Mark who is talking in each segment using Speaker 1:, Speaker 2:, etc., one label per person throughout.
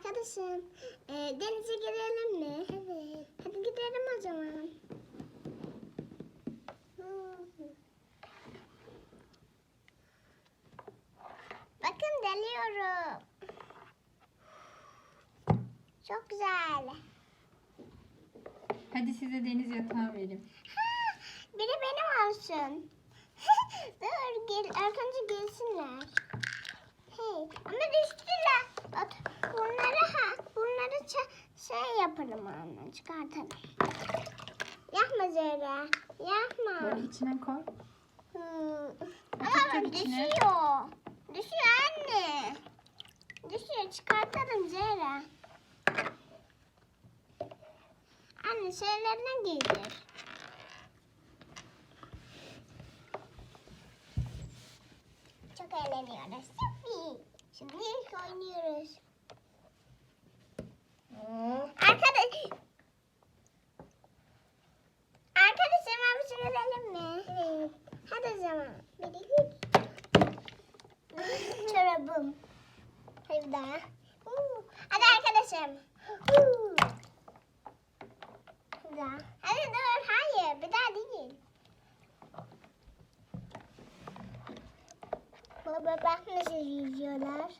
Speaker 1: Arkadaşım, denize girelim mi? Evet. Hadi gidelim o zaman. Bakın deliyorum. Çok güzel.
Speaker 2: Hadi size deniz yatağı vereyim.
Speaker 1: Biri benim olsun. Dur, ilk önce gelsinler. Hey, ama düştüler. Bak, bunları şey yapalım anne, çıkartalım. Yapma Zehra, yapma.
Speaker 2: Böyle içine koy.
Speaker 1: Ama bak
Speaker 2: içine.
Speaker 1: düşüyor. Düşüyor anne. Düşüyor, çıkartalım Zehra. Anne şeylerine giydir. Çok eğleniyoruz. Şimdi ilk oynuyoruz. Arkadaşım abi sürelim mi? Evet. Hadi o zaman. Bir, iki, üç. Çorabım. Hadi bir daha. Hadi arkadaşım. Bir daha. Hadi dur. Hayır. Bir daha değil. Baba bak nasıl yüzüyorlar.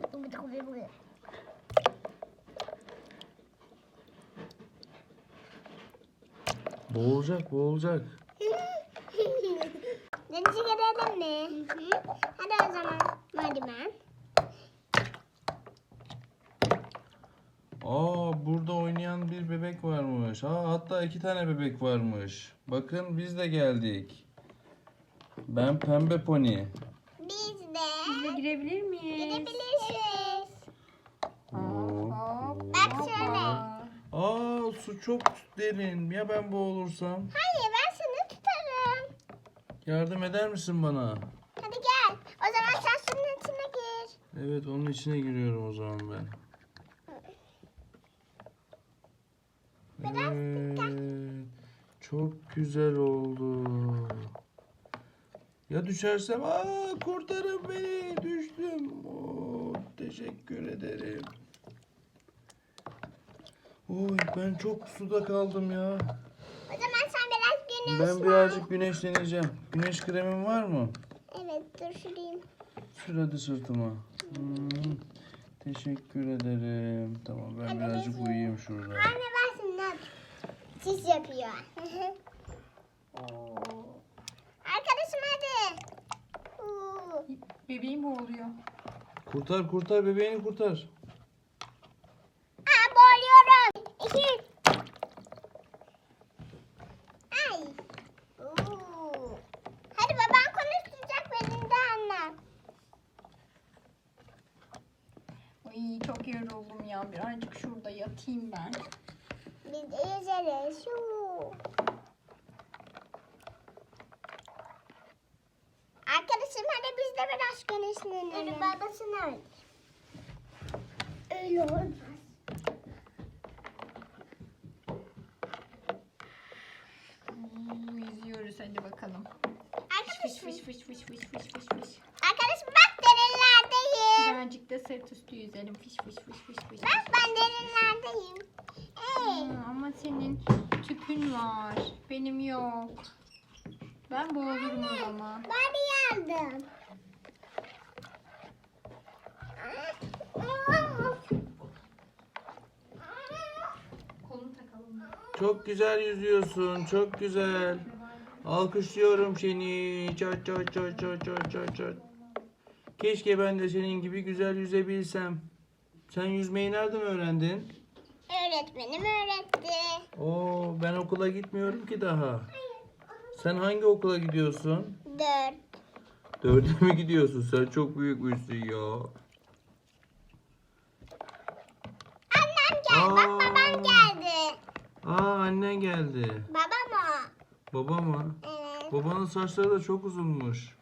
Speaker 3: Boğulacak, boğulacak.
Speaker 1: Denize girelim mi? Hadi o zaman. Merdiven.
Speaker 3: Burada oynayan bir bebek varmış. Hatta 2 tane bebek varmış. Bakın biz de geldik. Ben Pembe Pony.
Speaker 1: Biz
Speaker 2: Biz de
Speaker 1: de
Speaker 2: girebilir miyiz?
Speaker 1: gidebilirsiniz.
Speaker 2: Hop.
Speaker 1: Bak şöyle.
Speaker 3: Su çok derin. Ya ben boğulursam?
Speaker 1: Hayır ben seni tutarım.
Speaker 3: Yardım eder misin bana?
Speaker 1: Hadi gel. O zaman sen suyun içine gir.
Speaker 3: Evet, onun içine giriyorum o zaman ben. Evet. Çok güzel oldu. Ya düşersem? Kurtarın beni. Düştüm. Teşekkür ederim. Oy, ben çok suda kaldım ya.
Speaker 1: O zaman sen biraz güneşlen.
Speaker 3: Ben birazcık güneşleneceğim. Güneş kremin var mı?
Speaker 1: Evet dur şurayım.
Speaker 3: Sür hadi sırtıma. Teşekkür ederim. Tamam, ben
Speaker 1: Hadi
Speaker 3: birazcık
Speaker 1: bebeğim.
Speaker 3: uyuyayım şurada.
Speaker 1: Anne ben senden. Sis yapıyor. Arkadaşım hadi.
Speaker 2: Bebeğim boğuluyor.
Speaker 3: Kurtar bebeğini kurtar.
Speaker 1: Boğuluyorum. 2. Ay. Hadi baban konuşacak benimle anne.
Speaker 2: Ay, çok yoruldum ya. Birazcık şurada yatayım ben.
Speaker 1: Biz de yüzeriz. Arkadaşım hadi biz de biraz güneşlenelim. Dur babasını öyle. Öyle olmaz.
Speaker 2: Yüzüyoruz hadi bakalım.
Speaker 1: Arkadaşım.
Speaker 2: Fış fış fış fış fış fış fış.
Speaker 1: Arkadaşım bak derinlerdeyim.
Speaker 2: Birazcık da sırt üstü yüzelim. Fış fış fış fış fış.
Speaker 1: Bak ben derinlerdeyim.
Speaker 2: Ama senin tüpün var. Benim yok. Ben boğulurum o zaman.
Speaker 1: Ben yardım.
Speaker 2: Kolunu takalım.
Speaker 3: Çok güzel yüzüyorsun. Çok güzel. Alkışlıyorum seni. Çat çat çat çat çat çat çat. Keşke ben de senin gibi güzel yüzebilsem. Sen yüzmeyi nereden öğrendin?
Speaker 1: Öğretmenim öğretti.
Speaker 3: Ben okula gitmiyorum ki daha. Sen hangi okula gidiyorsun?
Speaker 1: 4.
Speaker 3: 4'e mi gidiyorsun? Sen çok büyükmüşsün ya.
Speaker 1: Annem geldi. Bak babam geldi.
Speaker 3: Annen geldi.
Speaker 1: Babam o.
Speaker 3: Baba mı?
Speaker 1: Evet.
Speaker 3: Babanın saçları da çok uzunmuş.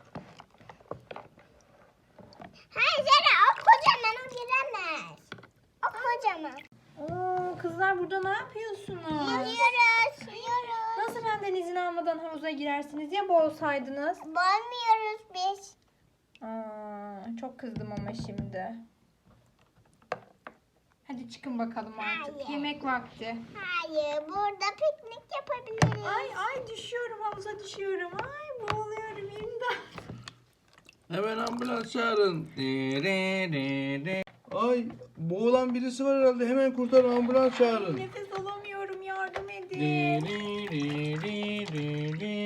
Speaker 1: Hayır Zara o kocaman o giremez. O kocaman.
Speaker 2: Kızlar burada ne yapıyorsunuz?
Speaker 1: Yüzüyoruz.
Speaker 2: Nasıl benden izin almadan havuza girersiniz ya boğulsaydınız?
Speaker 1: Boğulmuyoruz biz.
Speaker 2: Çok kızdım ama şimdi. Hadi çıkın bakalım artık.
Speaker 1: Hayır.
Speaker 2: Yemek vakti.
Speaker 1: Hayır, burada piknik yapabiliriz.
Speaker 2: Ay düşüyorum, havuza düşüyorum. Ay boğuluyorum, imdat.
Speaker 3: Hemen ambulans çağırın. Ay boğulan birisi var herhalde. Hemen kurtarın, ambulans çağırın.
Speaker 2: Nefes alamıyorum, yardım edin.